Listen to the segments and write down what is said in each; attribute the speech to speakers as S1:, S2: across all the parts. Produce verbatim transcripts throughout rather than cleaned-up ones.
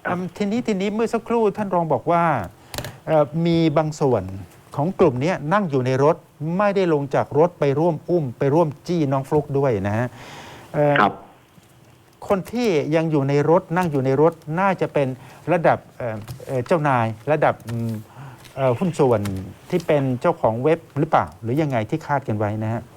S1: อืมทีนี้ทีนี้เมื่อสักครู่ท่านรองบอกว่าเอ่อมีบางส่วนของกลุ่มนี้นั่งอยู่ในรถไม่ได้ลงจากรถไปร่วมอุ้มไปร่วมจี้น้องฟลุ๊กด้วยนะฮะเอ่อ
S2: ครับ
S1: คนที่ยังอยู่ในรถนั่งอยู่ในรถน่าจะเป็นระดับเอ่อเอ่อเจ้านายระดับอืมเอ่อหุ้นส่วนที่เป็นเจ้าของเว็บหรือเปล่า หรือยังไงที่คาดกันไว้นะฮะ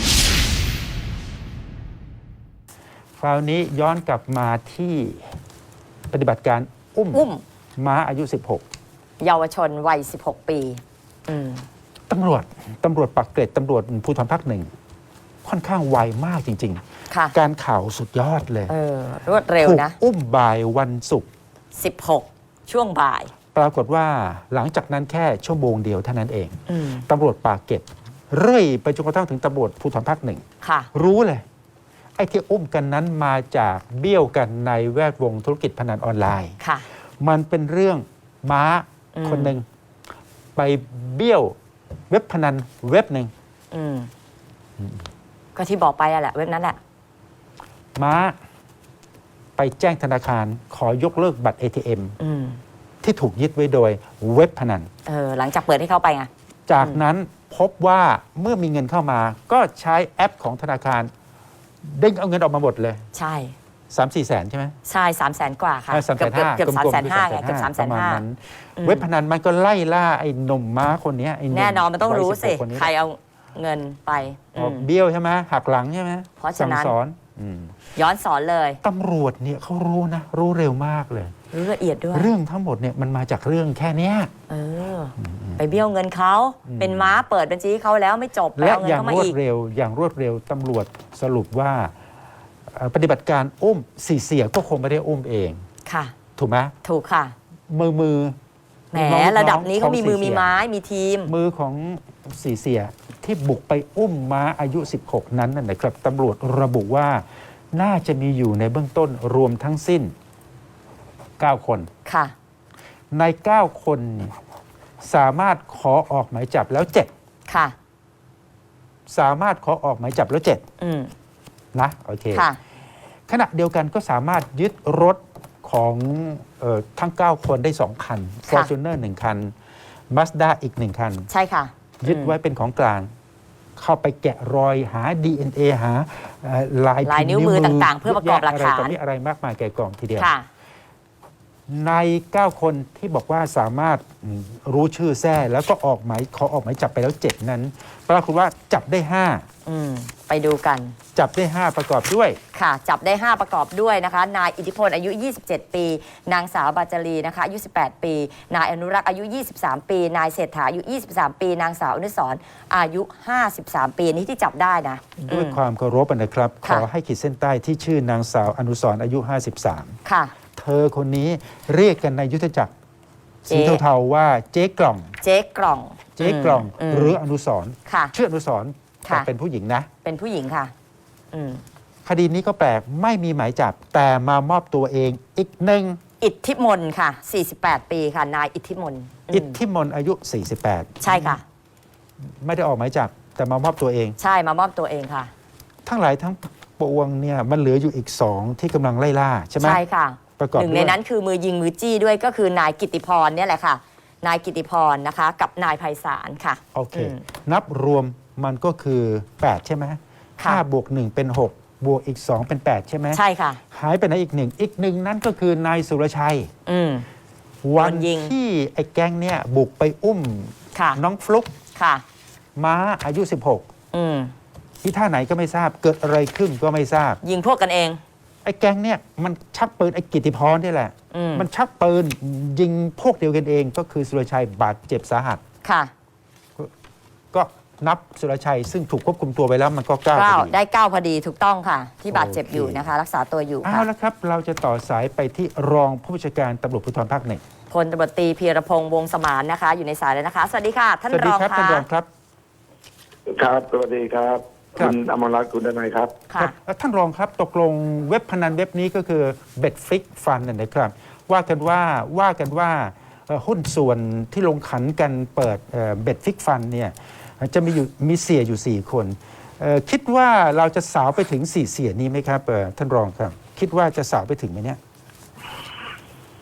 S1: คราวนี้ย้อนกลับมาที่ปฏิบัติการอุ้ม
S3: อุ้ม
S1: ม้าอายุ สิบหก
S3: เยาวชนวัย สิบหก ปีอืม
S1: ตำรวจตำรวจปักเกร็ดตำรวจภูธรภาคหนึ่งค่อนข้างไวมากจริง
S3: ค่ะ
S1: ๆ การข่าวสุดยอดเลย
S3: เออ รวดเร็ว
S1: ถูก
S3: นะ
S1: อุ้มบ่ายวันศุกร์
S3: สิบหก ช่วงบ่าย
S1: ปรากฏว่าหลังจากนั้นแค่ชั่วโมงเดียวเท่านั้นเอง
S3: อืม
S1: ตำรวจปากเกร็ดเรื่อยไปจนกระทั่งถึงตำรวจภูธรภาคหนึ่ง
S3: ค่ะ
S1: รู้เลย ไอ้ที่อุ้มกันนั้นมาจากเบี้ยวกันในแวดวงธุรกิจพนันออนไลน์
S3: ค่ะ
S1: มันเป็นเรื่องม้า
S3: อืม
S1: คนหนึ่งไปเบี้ยวเว็บพนันเว็บหนึ่ง
S3: อืม ก็ที่บอกไปอะแหละ เว็บนั้นแหละ
S1: ม้าไปแจ้งธนาคารขอยกเลิกบัตร เอ ที เอ็ม
S3: อืม
S1: ที่ถูกยึดไว้โดยเว็บพนัน
S3: เออ หลังจากเปิดให้เข้าไปไง
S1: จากนั้นพบว่าเมื่อมีเงินเข้ามา ก็ใช้แอปของธนาคารเด้งเอาเงินออกมาหมดเลย
S3: ใช่
S1: สามสี่แสนใช่ไหม
S3: ใช่สามแสนกว่าค่ะ
S1: สามแส
S3: เกือบ
S1: นห้า
S3: เกือบสามแสนห้าไง เกือบสามแสนห้า
S1: เว็บพนันมันก็ไล่ล่าไอ้หนุ่มม้าคนเนี้ยไอ้หม
S3: แน่นอนมันต้องรู้สิ
S1: วัยบหกคนนี้
S3: ใครเอาเงินไป
S1: ออก
S3: อืม
S1: เบี้ยวใช่ไหมหักหลังใช่ไหม
S3: เพราะฉะนั้น
S1: สั่งสอนอืม
S3: ย้อนสอนเลย
S1: ตำรวจเนี่ยเขารู้นะ รู้เร็วมากเลย
S3: รู้ละเอียดด้วย
S1: เรื่องทั้งหมดเนี่ยมันมาจากเรื่องแค่เนี้ย
S3: เออ ไปเบี้ยวเงินเขา เป็นม้าเปิดบัญชีให้เขาแล้วไม่จบไป
S1: และ
S3: เอาเงิ
S1: อน ย่าง
S3: เข้าร มาว
S1: ด
S3: อีก
S1: เร็วอย่างรวดเร็วตำรวจสรุปว่าเอ่อปฏิบัติการอุ้มสี่เสียก็คงไม่ได้อุ้มเอง
S3: ค่ะ
S1: ถูกไหม
S3: ถูกค่ะ
S1: มือมือ
S3: แหม
S1: น้องๆ
S3: ระดับนี้เขามีมือ
S1: ของสี่
S3: มี
S1: เสีย
S3: ไม้ มีทีม
S1: มือของสี่เสียที่บุกไปอุ้มม้าอายุ สิบหก นั้นน่ะนะครับตำรวจระบุว่าน่าจะมีอยู่ในเบื้องต้นรวมทั้งสิ้น เก้า คน
S3: ค่ะ
S1: ใน เก้า คนเนี่ยสามารถขอออกหมายจับแล้ว เจ็ด
S3: ค่ะ
S1: สามารถขอออกหมายจับแล้ว เจ็ด
S3: อืม
S1: นะโอเค
S3: ค่ะ
S1: ขณะเดียวกันก็สามารถยึดรถของเออทั้ง เก้า คนได้ สอง คัน Fortuner หนึ่ง คัน Mazda อีก หนึ่ง คัน
S3: ใช่ค่ะ
S1: ยึดไว้เป็นของกลาง เข้าไปแกะรอยหา ดี เอ็น เอ หาเอ่อลาย
S3: ลาย
S1: พิพ์
S3: นิ้วมือต่างๆเพื่อประกอบหลักฐาน
S1: อะไรต่อมีอะไรมากมายแก่กล่องทีเดียว
S3: ค่ะ
S1: ใน เก้า คนที่บอกว่าสามารถอืมรู้ชื่อแท้แล้วก็ออกหมายขอออกหมายจับไปแล้ว เจ็ด นั้น ปรากฏว่าจับได้ ห้า
S3: อืม ไปดูกัน
S1: จับได้ ห้า ประกอบด้วย
S3: ค่ะ จับได้ ห้า ประกอบด้วยนะคะ นายอิทธิพลอายุ ยี่สิบเจ็ด ปี นางสาวบาจารีนะคะอายุ สิบแปด ปี นายอนุรักษ์อายุ ยี่สิบสาม ปี นายเศรษฐาอายุ ยี่สิบสาม ปี นางสาวอนุสรณ์อายุ ห้าสิบสาม ปีนี่ที่จับได้นะ
S1: ด้วย
S3: อืม
S1: ความเคารพนะครับ ข
S3: ค่ะ
S1: อให้ขีดเส้นใต้ที่ชื่อนางสาวอนุสรณ์อายุ ห้าสิบสาม
S3: ค่ะ
S1: เธอคนนี้เรียกกันในยุทธจักร
S3: เจ๊
S1: สีเทาๆว่าเจ๊กล่อง
S3: เจ๊กล่อง
S1: เจ๊กล่อง
S3: ม
S1: หรืออนุสรณ์
S3: ค่ะ
S1: ชื่ออนุสรณ์
S3: ค่ะ
S1: แต่เป็นผู้หญิงนะ
S3: เป็นผู้หญิงค่ะ อืม
S1: คดีนี้ก็แปลกไม่มีหมายจับ แต่มามอบตัวเองอีกหนึ่ง
S3: อิทธิมนต์ค่ะ สี่สิบแปด ปีค่ะ นายอิทธิมนต์ม
S1: อิทธิมนต์อายุ สี่สิบแปด
S3: ใช่ค่ะ
S1: ไม่ได้ออกหมายจับ แต่มามอบตัวเอง
S3: ใช่มามอบตัวเองค่ะ
S1: ทั้งหลายทั้งปวงเนี่ยมันเหลืออยู่อีกสองที่กำลังไล่ล่าใช่ไหม
S3: ใช่ค่ะ
S1: ประกอบ
S3: หนึ่งใน
S1: ด้วย
S3: นั้นคือมือยิงมือจี้ด้วยก็คือนายกิตติพรเนี่ยแหละค่ะ นายกิตติพรนะคะ กับนายไพศาลค่ะ
S1: โอเค
S3: อืม
S1: นับรวมมันก็คือ แปด ใช่ไหม
S3: ค่ะ
S1: ห้าบวกหนึ่งเป็น หก บวกอีก สอง เป็น แปด ใช่ไหม
S3: ใช่ค่ะ
S1: หายไปไหนอีกหนึ่งอีกหนึ่งนั่นก็คือนายสุรชัย
S3: อืม
S1: วัน
S3: โดนยิง
S1: ที่ไอ้แก๊งเนี่ยบุกไปอุ้ม
S3: ค่ะ
S1: น้องฟลุก
S3: ค่ะ
S1: ม้าอายุ สิบหก
S3: อืม
S1: ที่ท่าไหนก็ไม่ทราบเกิดอะไรขึ้นก็ไม่ทราบ
S3: ยิงพวกกันเอง
S1: ไอ้แก๊งเนี่ยมันชักปืนไอ้กิตติพรนี่แหละ
S3: อืม
S1: มันชักปืนยิงพวกเดียวกันเอง ก็คือสุรชัยบาดเจ็บสาหัส
S3: ค่ะ
S1: ก็นับสุรชัยซึ่งถูกควบคุมตัวไปแล้วมันก็เก้า
S3: เก้า
S1: พอดี
S3: ได้เก้าพอดีถูกต้องค่ะ ที่บาดเจ็บ
S1: โอเค
S3: อยู่นะคะ รักษาตัวอยู่
S1: เอา
S3: ค่ะ
S1: ละครับ เราจะต่อสายไปที่รองผู้บัญชาการตำรวจภูธรภาคหนึ่ง
S3: พลตำรวจตรีพีรพงษ์วงศ์สมานนะคะ อยู่ในสายแล้วนะคะ สวัสดีค่ะ ท่าน
S1: สวัส
S3: ร
S1: ดี
S3: อง
S1: ครับ
S3: ค่ะ
S1: ท่านรองครับ
S2: ครับสวัสดีครับ
S1: ครับ
S2: คุณอมรรัตน์คุณดนัยครับ
S3: ค่ะ
S1: ครับเอ่อท่านรองครับตกลงเว็บพนันเว็บนี้ก็คือเบ็ดฟิกฟันนะครับ ว่ากันว่าว่ากันว่าเอ่อหุ้นส่วนที่ลงขันกันเปิดเบ็ดฟิกฟันเนี่ยจะมีอยู่มีเสียอยู่ 4 คนเอ่อคิดว่าเราจะสาวไปถึงสี่เสียนี้ไหมครับเอ่อท่านรองครับ คิดว่าจะสาวไปถึงไหมเนี่ย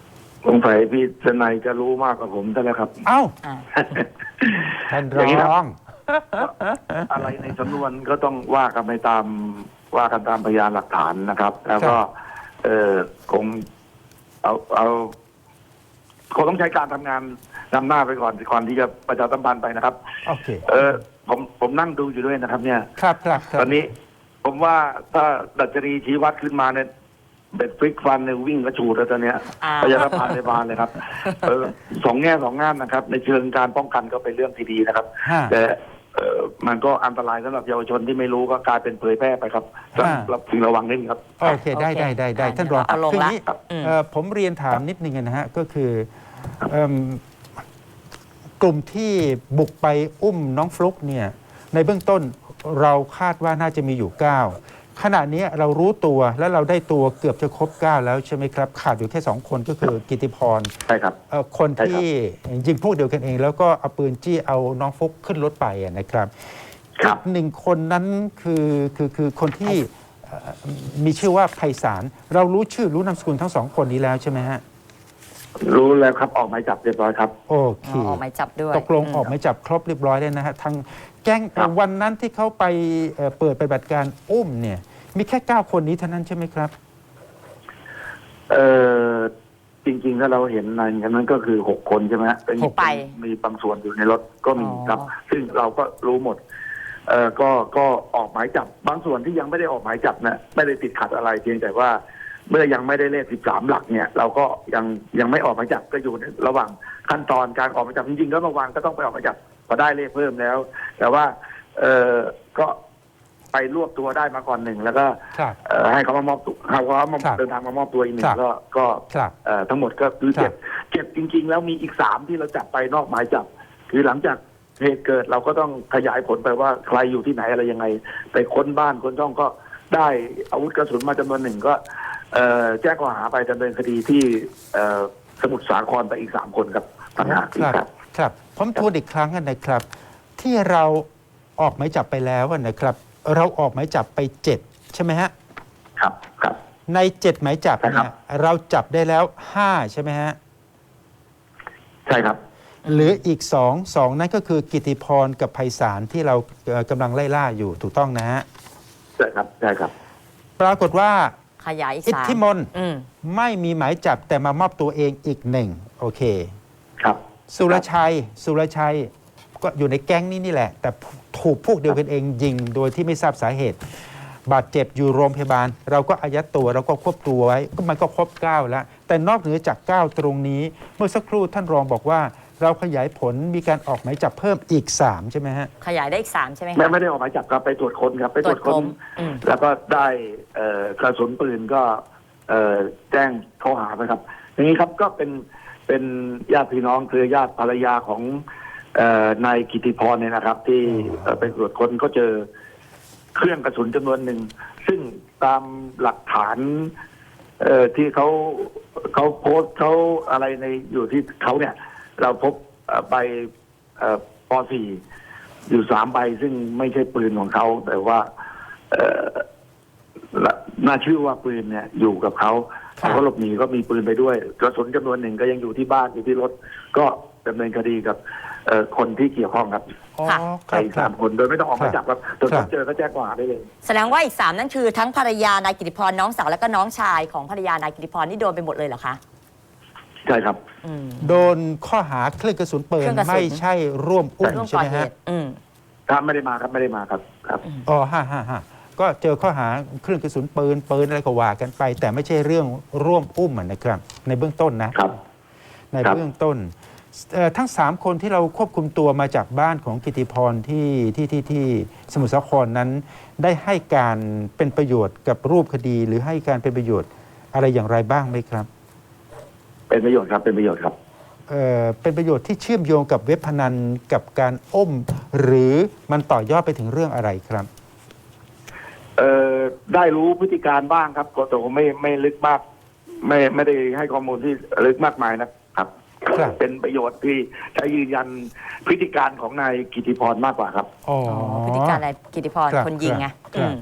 S2: สงสัยพี่ทนายจะรู้มากกว่าผมใช่ไหมครับ
S1: เอ้า
S3: อ่า
S1: ท่าน
S2: อย่างนี้ครั
S1: ร
S2: บ
S1: อง
S2: อะไรในสำนวนก็ต้องว่ากันไปตามว่ากันตามพยานหลักฐานนะครับ แล้วก็ เออคงเอาเอาคงต้องใช้การทำงานนำหน้าไปก่อนก่อนที่จะประชาสัมพันธ์ไปนะครับ
S1: โอเค
S2: เออผมผมนั่งดูอยู่ด้วยนะครับ เนี่ย
S1: ครับครับครั
S2: ต
S1: บ
S2: อนนี้ผมว่าถ้าดัชนีชี้วัดขึ้นมาเนี่ยเบ็ดฟลิกฟันเนี่ยวิ่งกระชูดแล้วตอนเนี้ย
S3: อ่า
S2: พยาบาลในบานเลยครับเออสองแง่สองงามนะครับ ในเชิงการป้องกันก็เป็นเรื่องที่ดีนะครับ
S1: ฮะ
S2: แต่เออมันก็อันตรายสำหรับเยาวชนที่ไม่รู้ก็กลายเป็นเผยแพร่ไปครับต้อง
S1: ฮะ
S2: รับพึงระวังนิดนึงครับ
S1: โอเค ได้ได้ได้ได้
S3: โอเค
S1: ท่านรอง
S3: เอาลง
S1: คือ
S3: ละ
S1: นี้
S3: อืม
S1: เอ่อผมเรียนถามนิดนึงนะฮะ ก็คือเอิ่มกลุ่มที่บุกไปอุ้มน้องฟลุ๊กเนี่ยในเบื้องต้นเราคาดว่าน่าจะมีอยู่ เก้า ขณะนี้เรารู้ตัวและเราได้ตัวเกือบจะครบ เก้า แล้วใช่ไหมครับ ขาดอยู่แค่ สอง คนก็คือกิติพร
S2: ใช่ครับ
S1: เอ่อคน
S2: ใช่ครับ
S1: ที่ยิงพวกเดียวกันเอง แล้วก็เอาปืนจี้เอาน้องฟลุ๊กขึ้นรถไปอะนะครับ
S2: ครั
S1: อี
S2: บ
S1: กหนึ่งคนนั้นคือคือคือคนที่เอ่อมีชื่อว่าไพศาลเรารู้ชื่อรู้นามสกุลทั้งสองคนนี้แล้วใช่ไหมฮะ
S2: รู้แล้วครับออกหมายจับเรียบร้อยครับ
S1: โอเค
S3: อ๋อออกหมายจับด้วย
S1: ตกลง
S3: ม
S1: ออกหมายจับครบเรียบร้อยแล้วนะฮะทางแก๊ง
S2: ครับ
S1: วันนั้นที่เขาไปเอ่อเปิดปฏิบัติการอุ้มเนี่ยมีแค่ เก้า คนนี้เท่านั้นใช่ไหมครับ
S2: เออจริงๆถ้าเราเห็นในนั้นก็คือหกคนใช่ไหมฮะเป็น
S3: หกไป
S2: มีบางส่วนอยู่ในรถก็มี
S3: อ๋อ
S2: ครับ ซึ่งเราก็รู้หมด เออก็ก็ออกหมายจับบางส่วนที่ยังไม่ได้ออกหมายจับนะไม่ได้ติดขัดอะไรเพียงแต่ว่า เมื่อยังไม่ได้เลขสิบสามหลักเนี่ย เราก็ยังยังไม่ออกหมายจับก็อยู่ในระหว่างขั้นตอนการออกหมายจับจริงๆแล้วเมื่อวานก็ต้องไปออกหมายจับพอได้เลขเพิ่มแล้ว แต่ว่า เออก็ไปรวบตัวได้มาก่อนหนึ่งแล้วก็
S1: ครับ
S2: เอ่อให้เขามามอบตัวให้เขามา
S1: ครับ
S2: เดินทางมามอบตัวอีกหนึ่
S1: ครั
S2: ง
S1: บ
S2: ก็ก็
S1: ครับ
S2: เอ่อทั้งหมดก็คือ
S1: ครับ
S2: เจ็บเจ็บจริง ๆ แล้วมีอีกสามที่เราจับไปนอกหมายจับ คือหลังจากเหตุเกิดเราก็ต้องขยายผลไปว่าใครอยู่ที่ไหนอะไรยังไงไปค้นบ้านค้นช่องก็ได้อาวุธกระสุนมาจำนวนหนึ่งก็ เอ่อแจ้งข้อหาไปดำเนินคดีที่เอ่อสมุทรสาครไปอีกสามคนครับต่างหาก
S1: ครับ
S2: ครับ
S1: ครับผมทวนอีกครั้งนะครับ ที่เราออกหมายจับไปแล้วนะครับ เราออกหมายจับไปเจ็ดใช่ไหมฮะ
S2: ครับครับ
S1: ในเจ็ดหมายจับ
S2: ใช่ครั
S1: เนี่
S2: บ
S1: ยเราจับได้แล้วห้าใช่ไหมฮะ
S2: ใช่ครับ
S1: หรืออีกสองสองนั่นก็คือกิติพรกับไพศาลที่เราเอ่อกำลังไล่ล่าอยู่ถูกต้องนะฮะ
S2: ใช่ครับใช่ครับ
S1: ปรากฏว่า
S3: ขยายอีก
S1: อิท
S3: สาม
S1: ธิมนต์
S3: อืม
S1: ไม่มีหมายจับแต่มามอบตัวเองอีกหนึ่งโอเค
S2: ครับ
S1: สุรชัย สุรชัยก็อยู่ในแก๊งนี้นี่แหละ แต่ถูกพวกเดียวกันเองยิงโดยที่ไม่ทราบสาเหตุ บาดเจ็บอยู่โรงพยาบาล เราก็อายัดตัวเราก็ควบตัวไว้ก็มันก็ครบเก้าแล้ว แต่นอกเหนือจากเก้าตรงนี้ เมื่อสักครู่ท่านรองบอกว่า เราขยายผลมีการออกหมายจับเพิ่มอีกสามใช่ไหมฮะ
S3: ขยายได้อีกสามใช่ไหม
S2: ไม่
S3: คะ
S2: ไม่ได้ออกหมายจับครับไปตรวจค้นครับไปตรวจ
S3: ตรวจค้
S2: ค้น
S3: นอืม
S2: แล้วก็ได้เอ่อกระสุนปืนก็เอ่อแจ้งข้อหาไปครับ อย่างนี้ครับก็เป็นเป็นญาติพี่น้องคือญาติภรรยาของเอ่อนายกิติพรเนี่ยนะครับ ที่เอ่อไปตรวจค้นก็เจอเครื่องกระสุนจำนวนหนึ่ง ซึ่งตามหลักฐาน เอ่อที่เขาเขาโพสต์เขาอะไรในอยู่ที่เขาเนี่ย เราพบเอ่อใบเอ่อป .สี่ อยู่สามใบซึ่งไม่ใช่ปืนของเขาแต่ว่า เอ่อน่าชื่อว่าปืนเนี่ยอยู่กับเขา
S1: ครับ
S2: เขาหลบหนีก็มีปืนไปด้วยกระสุนจำนวนหนึ่งก็ยังอยู่ที่บ้านอยู่ที่รถ ก็ดำเนินคดีกับเอ่อคนที่เกี่ยวข้องครับ
S1: อ๋อ
S3: ค่ะ
S1: ค
S2: ไป
S1: รับ
S2: อีก
S1: ครั
S2: สา
S1: บ
S2: มคนโดยไม่ต้องออกหมายจับครับตรวจ
S1: ครับ
S2: เจอก็แจ้งข้อหาได้เลย
S3: แสดงว่าอีกสามนั่นคือทั้งภรรยานายกิติพรน้องสาวและก็น้องชายของภรรยานายกิติพรนี่โดนไปหมดเลยเหรอคะ
S2: ใช่ครับ
S3: อืม
S1: โดนข้อหาเครื่องกระสุนปืน
S3: เครื่องกระสุน
S1: ไม่ใช่ร่วมอุ้ม
S3: ร่วม
S1: ใช่
S3: ก่อ
S1: ไหม
S3: เห
S1: ฮะ
S3: ตุอืม
S2: ครับไม่ได้มาครับไม่ได้มาครับครับ
S1: อ๋อฮ่าฮ่าฮ่าก็เจอข้อหาเครื่องกระสุนปืนปืนอะไรก็ว่ากันไป แต่ไม่ใช่เรื่องร่วมอุ้มอะนะครับ ในเบื้องต้นนะครับ ใน
S2: ครับ
S1: เบื้องต้นเอ่อทั้งสามคนที่เราควบคุมตัวมาจากบ้านของกิติพรที่ที่ที่ที่สมุทรสาครนั้น ได้ให้การเป็นประโยชน์กับรูปคดี หรือให้การเป็นประโยชน์อะไรอย่างไรบ้างไหมครับ
S2: เป็นประโยชน์ครับเป็นประโยชน์ครับ
S1: เอ่อเป็นประโยชน์ที่เชื่อมโยงกับเว็บพนันกับการอ้ม หรือมันต่อยอดไปถึงเรื่องอะไรครับ
S2: เอ่อได้รู้พฤติการบ้างครับก็แต่ว่าไม่ไม่ลึกมาก ไม่ไม่ได้ให้ข้อมูลที่ลึกมากมายนะครับ
S1: ครับ
S2: เป็นประโยชน์ที่ใช้ยืนยันพฤติการของนายกิติพรมากกว่าครับ
S1: อ๋อ
S3: อ๋อพฤติการนายกิติพร
S1: รับ
S3: คนยิงไง
S1: ครับ
S3: อืม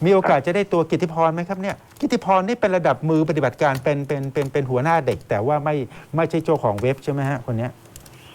S1: มีโอกาสจะได้ตัวกิตติพรไหมครับเนี่ยกิตติพรนี่เป็นระดับมือปฏิบัติการเป็นเป็นเป็นเป็นหัวหน้าเด็ก แต่ว่าไม่ไม่ใช่เจ้าของเว็บใช่ไหมฮะคนเนี้ย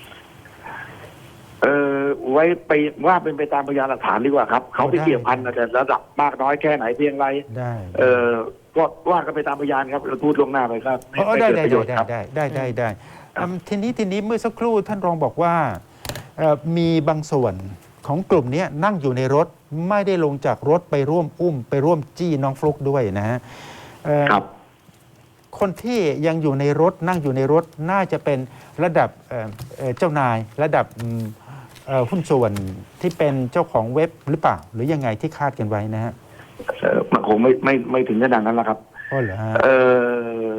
S2: เออไว้ไปว่าเป็นไปตามพยานหลักฐานดีกว่าครับเขาไปเกี่ยวพันแต่ระดับมากน้อยแค่ไหนเพียงไร
S1: ได้
S2: เออก็ว่ากันไปตามพยานครับเราพูดล่วงหน้าไปครับ
S1: อ๋อ
S2: ไม่
S1: ได้
S2: เกิด
S1: ได้
S2: ประโยชน์
S1: ได้
S2: ครับ
S1: ได้ได้ได้ได้อืมทีนี้ทีนี้เมื่อสักครู่ท่านรองบอกว่าเอ่อมีบางส่วนของกลุ่มเนี้ยนั่งอยู่ในรถไม่ได้ลงจากรถไปร่วมอุ้ม ไปร่วมจี้น้องฟลุกด้วยนะฮะเอ่อ
S2: ครับ
S1: คนที่ยังอยู่ในรถนั่งอยู่ในรถน่าจะเป็นระดับเอ่อเอ่อเจ้านายระดับอืมเอ่อหุ้นส่วนที่เป็นเจ้าของเว็บหรือเปล่า หรือยังไงที่คาดกันไว้นะฮะ
S2: เออมันคงไม่ไม่ไม่ถึงขนาดนั้นแล้วครับ
S1: อ๋อเหรอฮะ
S2: เออ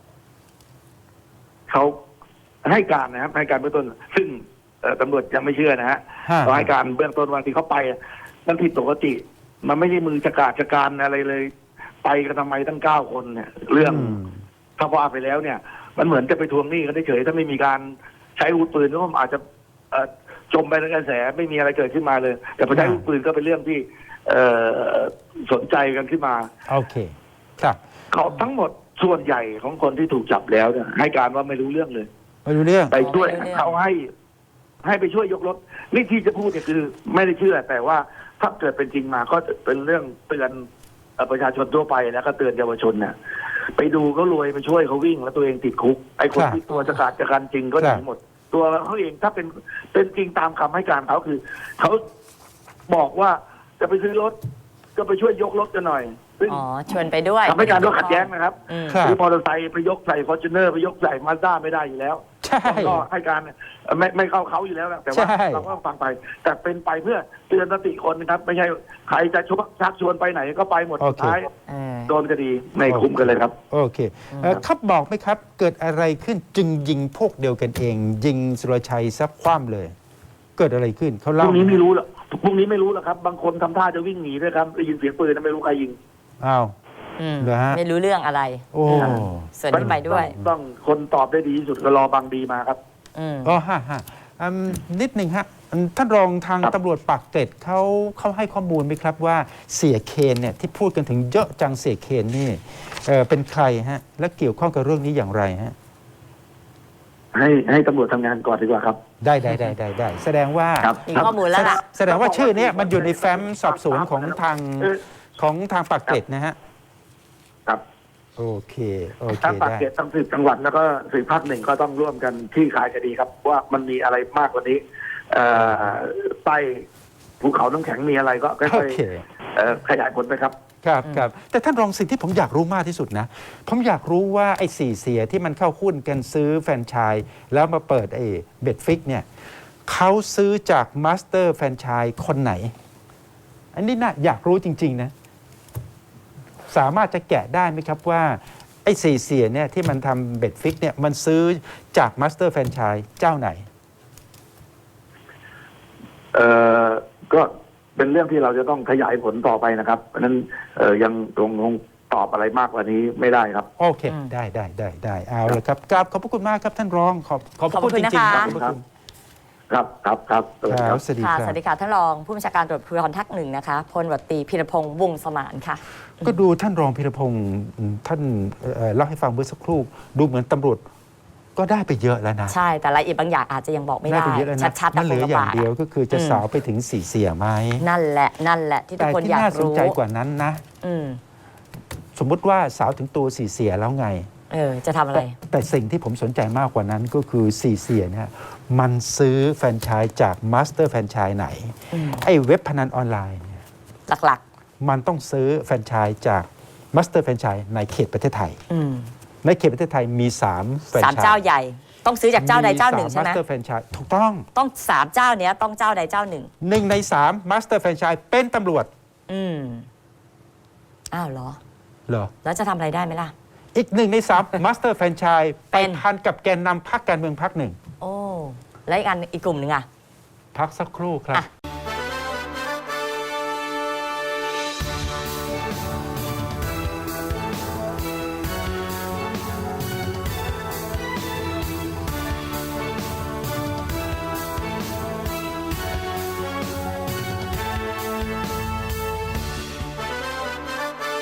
S2: เขาให้การนะครับให้การเบื้องต้น ซึ่งเอ่อตำรวจยังไม่เชื่อนะฮะ
S1: ฮะ
S2: เขาให้การเบื้องต้นวันที่เขาไปอะมันผิดปกติ มันไม่ใช่มือจักราชการอะไรเลย ไปกันทำไมตั้งเก้าคนเนี่ย เรื่อง
S1: ม
S2: ถ้าว่าไปแล้วเนี่ย มันเหมือนจะไปทวงหนี้กันเฉยๆถ้าไม่มีการใช้อาวุธปืนก็อาจจะเอ่อจมไปในกระแสไม่มีอะไรเกิดขึ้นมาเลย แต่พอใช้อาวุธปืนก็เป็นเรื่องที่ เอ่อสนใจกันขึ้นมา
S1: โอเคครับ
S2: เขาทั้งหมดส่วนใหญ่ของคนที่ถูกจับแล้วเนี่ยให้การว่าไม่รู้เรื่องเลย
S1: ไม่รู้เรื่อง
S2: ไปช่วย
S3: ไม่รู้เรื่อง
S2: เขาให้ให้ไปช่วยยกรถนี่ที่จะพูดเนี่ยคือ ไม่ได้เชื่อ แต่ว่าถ้าเกิดเป็นจริงมาก็จะเป็นเรื่องเตือนเอ่อประชาชนทั่วไปแล้วก็เตือนเยาวชนเนี่ยไปดูเขารวยไปช่วยเขาวิ่งแล้วตัวเองติดคุกไอ้คน
S1: ครับ
S2: ที่ตัวจะขาดจากการจริงก็ห
S1: ครั
S2: นี
S1: บ
S2: หมด ตัวเขาเองถ้าเป็นเป็นจริงตามคำให้การเขาคือเขาบอกว่าจะไปซื้อรถก็ไปช่วยยกรถกันหน่อย ซึ่ง
S3: อ๋อชวนไปด้วย
S2: ทำให้การก็ขัดแย้งนะครับ
S3: อืม
S1: ครับ
S2: คือมอเตอร์ไซค์ไปยกใส่ฟอร์จูเนอร์ไปยกใส่มาด้าไม่ได้อยู่แล้ว
S1: ใช่
S2: ก็ให้การเอ่อไม่ไม่เข้าเขาอยู่แล้วนะแต่ว่า
S1: ใช่
S2: เราก็ฟังไป แต่เป็นไปเพื่อเตือนสติคนนะครับ ไม่ใช่ใครจะชวชักชวนไปไหนก็ไปหมด
S1: โอ
S2: สุด
S1: เค
S2: ท้าย
S3: เออ
S2: โดนคดีไม่คุ้มกันเลยครับ
S1: โอเคเอ่อครับบอกไหมครับ เกิดอะไรขึ้นจึงยิงพวกเดียวกันเอง ยิงสุรชัยซับคว่ำเลย เกิดอะไรขึ้นเขา
S2: พ
S1: เล่า
S2: รุ่งนี้ไม่รู้หรอกพรุ่งนี้ไม่รู้หรอกครับ บางคนทำท่าจะวิ่งหนีด้วยครับได้ยินเสียงปืนไม่รู้ใครยิง
S1: อ้าว
S3: อืม
S1: เหรอฮะ
S3: ไม่รู้เรื่องอะไร
S1: โอ้
S3: ส่วนนี้ไปด้วย
S2: ต้องต้องคนตอบได้ดีที่สุดก็รอบางดีมาครับ
S3: อืม
S1: อ๋อฮะฮะอืมนิดหนึ่งฮะอืมท่านรองทาง
S2: ครับ
S1: ตำรวจปากเกร็ดเขาเขาให้ข้อมูลไหมครับว่าเสียเคนเนี่ยที่พูดกันถึงเยอะจังเสียเคนนี่เอ่อเป็นใครฮะ และเกี่ยวข้องกับเรื่องนี้อย่างไรฮะ
S2: ให้ให้ตำรวจทำงานก่อนดีกว่าครับ
S1: ได้ได้ได้ได้ได้แสดงว่า
S2: ครับ
S3: มีข้อมูลแล้วล่ะ
S1: แสดงว่าชื่อเนี้ยมันอยู่ในแฟ้มสอบสวนของทาง
S2: เออ
S1: ของทางปากเกร็ดนะฮะ
S2: ครับ
S1: โอเค โอเค
S2: ทั้งปาก
S1: ได้
S2: เกร็ดทั้งสืบจังหวัดแล้วก็สืบภาคหนึ่งก็ต้องร่วมกันที่ขายคดีครับ ว่ามันมีอะไรมากกว่านี้ เอ่อใต้ภูเขาน้ำแข็งมีอะไรก็ค่
S1: โอ
S2: อย
S1: เค
S2: ๆเอ่อขยายผลไปครับ
S1: ครับครับแต่ท่านรองสิ่งที่ผมอยากรู้มากที่สุดนะ ผมอยากรู้ว่าไอ้สี่เสียที่มันเข้าหุ้นกันซื้อแฟรนไชส์แล้วมาเปิดไอ้เบ็ดฟิกเนี่ยเขาซื้อจากมาสเตอร์แฟรนไชส์คนไหน อันนี้น่าอยากรู้จริง ๆ นะ สามารถจะแกะได้ไหมครับว่า ไอ้สี่เสียเนี่ยที่มันทำเบ็ดฟิกเนี่ยมันซื้อจากมาสเตอร์แฟรนไชส์เจ้าไหน
S2: เอ่อก็เป็นเรื่องที่เราจะต้องขยายผลต่อไปนะครับ เพราะฉะนั้นเอ่อยังคงคงตอบอะไรมากกว่านี้ไม่ได้ครับ
S1: โอเค
S3: อืม
S1: ได้ได้ได้ได้เอาเลยครับกราบขอบพระคุณมากครับท่านรองขอบขอบพระคุณ
S3: ขอบ
S1: จ
S3: คุณ
S1: ริงๆ
S3: นะคะ
S1: ขอบพระคุณ
S2: ครับครับครับสวัสดี
S1: ค
S2: ค
S1: รั
S2: รั
S1: บบ สวัสดี
S3: ค่ะ
S1: ค
S3: ส
S1: รับ
S3: วัสดีค่ะท่านรองผู้บัญชาการตำรวจภูธรภาคหนึ่งนะคะพลตำรวจตรีพีรพงษ์วงศ์สมานค่ะ
S1: ก็ดูท่านรองพิรพงศ์อืมท่านเอ่อเล่าให้ฟังเมื่อสักครู่ ดูเหมือนตำรวจก็ได้ไปเยอะแล้วนะ
S3: ใช่แต่รายละเอียดบางอย่างอาจจะยังบอกไม่ได้
S1: ไปเยอะแล้วนะ
S3: ชัดๆ
S1: มันเหลืออย่างเดียวก็คือจะ
S3: อืม
S1: สาวไปถึงสี่เสียไหม
S3: นั่นแหละนั่นแหละที่ทุ
S1: แต่
S3: กคน
S1: ที่
S3: อยาก
S1: น่าสน
S3: รู้
S1: ใจกว่านั้นนะ
S3: อืม
S1: สมมุติว่าสาวถึงตัวสี่เสียแล้วไง
S3: เออจะทำอะไร
S1: แต่แต่สิ่งที่ผมสนใจมากกว่านั้นก็คือสี่เสียเนี่ยมันซื้อแฟรนไชส์จากมาสเตอร์แฟรนไชส์ไหน
S3: อืม
S1: ไอ้เว็บพนันออนไลน์เนี่ย
S3: หลัก
S1: มันต้องซื้อแฟรนไชส์จากมาสเตอร์แฟรนไชส์ในเขตประเทศไทย
S3: ๆอืม
S1: ในเขตประเทศไทยมี3แฟรน
S3: สาม
S1: ไชส์
S3: เจ้าใหญ่ ต้องซื้อจากเจ้าใดเจ้าหนึ่งใช่ไหม
S1: มาสเตอร์แฟรนไชส์ถูกต้อง
S3: ต้องสามเจ้าเนี้ยต้องเจ้าใดเจ้าหนึ่ง
S1: หนึ่งในสามมาสเตอร์แฟรนไชส์เป็นตำรวจ
S3: อืมอ้าวเหรอ
S1: เหรอ
S3: แล้วจะทำอะไรได้ไหมล่ะ
S1: อีกหนึ่งในสามมาสเตอร์แฟรนไชส์
S3: เป็
S1: ไป
S3: น
S1: พันกับแกนนำพรรคการเมืองพรรคหนึ่ง
S3: โอ้แล้วอีกอันอีกกลุ่มหนึ่งอ่ะ
S1: พักสักครู่ครับ
S3: อ่ะ